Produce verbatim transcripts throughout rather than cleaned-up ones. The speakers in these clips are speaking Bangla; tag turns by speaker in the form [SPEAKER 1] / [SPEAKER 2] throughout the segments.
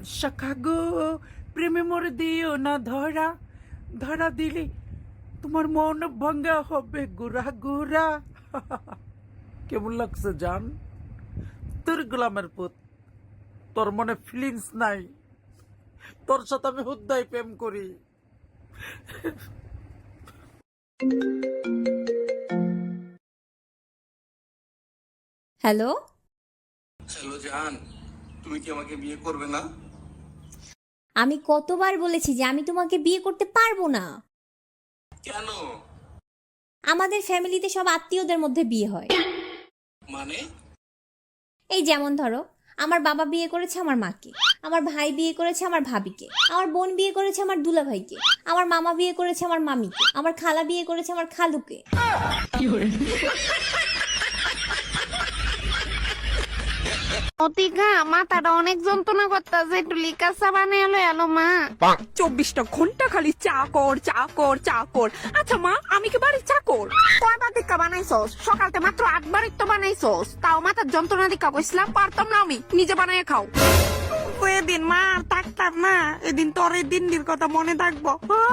[SPEAKER 1] শাখা গো, প্রেমে মরে দিও না ধরা, ধরা দিলে তোমার মন ভাঙ্গা হবে গুড়া গুড়া। কেমন লাগছে জান? তোর গোলামের পুত, তোর মনে ফিলিংস নাই, তোর সাথে আমি হুদ্দাই প্রেম করি।
[SPEAKER 2] হ্যালো,
[SPEAKER 3] হ্যালো জান, তুমি কি আমাকে বিয়ে করবে না?
[SPEAKER 2] আমি কতবার বলেছি যে আমি তোমাকে বিয়ে করতে পারবো না।
[SPEAKER 3] কেন?
[SPEAKER 2] আমাদের ফ্যামিলিতে সব আত্মীয়দের মধ্যে বিয়ে হয়।
[SPEAKER 3] মানে?
[SPEAKER 2] এই যেমন ধরো, আমার বাবা বিয়ে করেছে আমার মাকে, আমার ভাই বিয়ে করেছে আমার ভাবিকে, আমার বোন বিয়ে করেছে আমার দুলাভাইকে, আমার মামা বিয়ে করেছে আমার মামিকে, আমার খালা বিয়ে করেছে আমার খালুকে।
[SPEAKER 4] অতিকা মাথাটা অনেক যন্ত্রণা করতেছে, একটু লিকার চা বানিয়ে এলো এলো মা।
[SPEAKER 5] চব্বিশটা ঘন্টা খালি চা কর চা কর চা কর। আচ্ছা মা, আমি কি বাড়ির চাকর?
[SPEAKER 4] কয়বার দিকা বানাইছস? সকালতে মাত্র আটবার তো বানাইছস, তাও মাথার যন্ত্রণা দিকা কইছিলাম।
[SPEAKER 5] পারতাম না আমি, নিজে বানায় খাও।
[SPEAKER 4] এদিন মা আর থাকতাম না, এদিন তোর এই দিনটির কথা মনে থাকবো।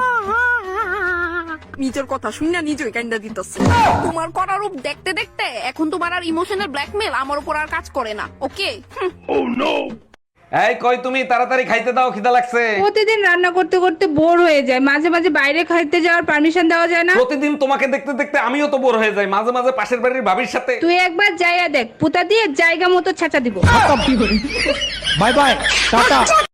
[SPEAKER 5] নিজের কথা শুনে নিজেই কান্দা দিতেছে। তোমার করার রূপ দেখতে দেখতে এখন তোমার আর ইমোশনাল ব্ল্যাকমেল আমার উপর আর কাজ করে না। ওকে?
[SPEAKER 6] এই কই তুমি, তাড়াতাড়ি খাইতে দাও, খিদা লাগছে।
[SPEAKER 7] প্রতিদিন রান্না করতে করতে বোর হয়ে যায়, মাঝে মাঝে বাইরে খাইতে যাওয়ার পারমিশন দেওয়া যায় না?
[SPEAKER 6] প্রতিদিন তোমাকে দেখতে দেখতে আমিও তো বোর হয়ে যাই, মাঝে মাঝে পাশের বাড়ির ভাবির সাথে।
[SPEAKER 7] তুই একবার যাইয়া দেখ, পুতা দিয়ে জায়গা মতো ছেঁচা দিব।
[SPEAKER 8] Bye bye, tata.